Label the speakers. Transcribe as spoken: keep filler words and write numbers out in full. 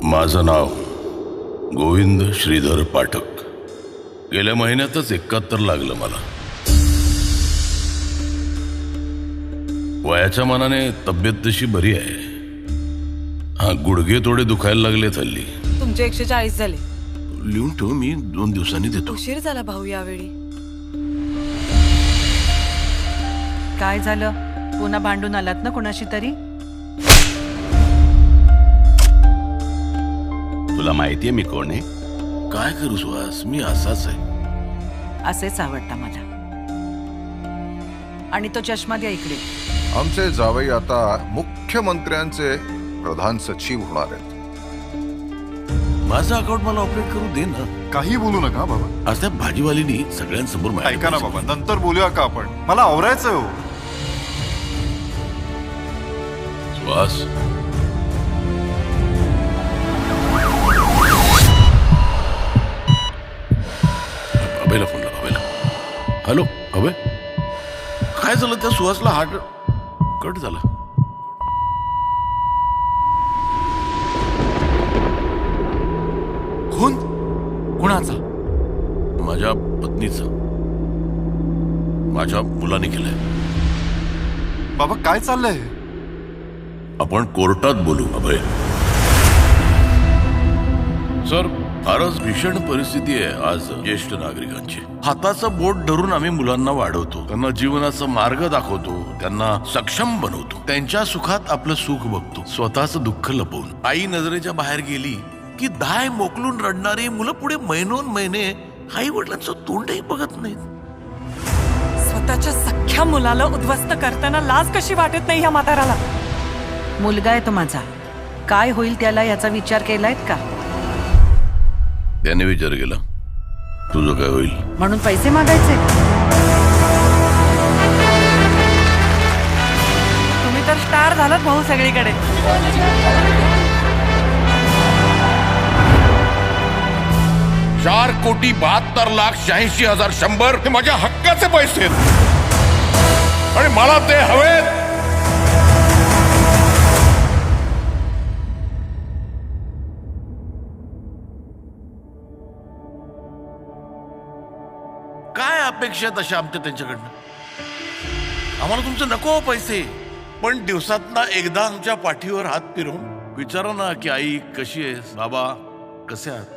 Speaker 1: माझं नाव गोविंद श्रीधर पाठक. गेल्या महिन्यातच एकाहत्तर लागलं मला. वयाच्या मानाने तब्येत तशी बरी आहे. हा, गुडघे थोडे दुखायला लागले हल्ली.
Speaker 2: तुमचे एकशे चाळीस झाले.
Speaker 1: लिहून ठेव, मी दोन दिवसांनी देतो.
Speaker 2: उशीर झाला भाऊ यावेळी.
Speaker 3: काय झालं? पुन्हा भांडून आलात ना कोणाशी तरी?
Speaker 1: तुला माहितीये मी कोण आहे? काय करू सुहास, मी असाच आहे.
Speaker 3: असेच आवडता मला. आणि तो चष्मा द्या इकडे.
Speaker 4: आमचे जावई आता मुख्यमंत्र्यांचे प्रधान सचिव होणार आहेत.
Speaker 1: माझं अकाउंट मला ऑपरेट करू दे ना.
Speaker 5: काही बोलू नका बाबा.
Speaker 1: आज त्या भाजीवालीनी सगळ्यांसमोर माझ्या
Speaker 5: ऐका ना बाबा, नंतर बोलूया का आपण? मला आवरायचं हो.
Speaker 1: सुहास, अभयला फोन लाव. अभयला. हॅलो अभय, काय झालं? त्या सुहासला हार्ट कट झाला.
Speaker 5: कोण? कुणाचा?
Speaker 1: माझ्या पत्नीचा. माझ्या मुलाने केलंय.
Speaker 5: बाबा काय चाललंय?
Speaker 1: आपण कोर्टात बोलू अभय. सर, फारच भीषण परिस्थिती आहे आज ज्येष्ठ नागरिकांची. हाताचं बोट धरून आम्ही मुलांना वाढवतो, त्यांना जीवनाचा मार्ग दाखवतो, त्यांना सक्षम बनवतो, त्यांच्या सुखात आपलं सुख बघतो, स्वतःचं दुःख लपवून. आई नजरेच्या बाहेर गेली की दाय मोकलून रडणारी मुलं पुढे महिनोन महिने आई वडिलांचं तोंडही बघत नाहीत.
Speaker 2: स्वतःच्या सख्ख्या मुलाला उद्ध्वस्त करताना लाज कशी वाटत नाही ह्या म्हाताराला?
Speaker 3: मुलगा आहे तो माझा. काय होईल त्याला याचा विचार केलायत का?
Speaker 1: त्याने विचार केला, तुझं काय होईल
Speaker 3: म्हणून पैसे मागायचे?
Speaker 2: तुम्ही तर स्टार झालात भाऊ सगळीकडे.
Speaker 1: चार कोटी बहात्तर लाख शहाऐंशी हजार शंभर हे माझ्या हक्काचे पैसे आहेत आणि मला ते हवेत. काय अपेक्षा तशा आमच्या त्यांच्याकडनं? आम्हाला तुमचं नको पैसे, पण दिवसात ना एकदा आमच्या पाठीवर हात फिरवून विचारा ना की आई कशी आहेस, बाबा कसे आहात.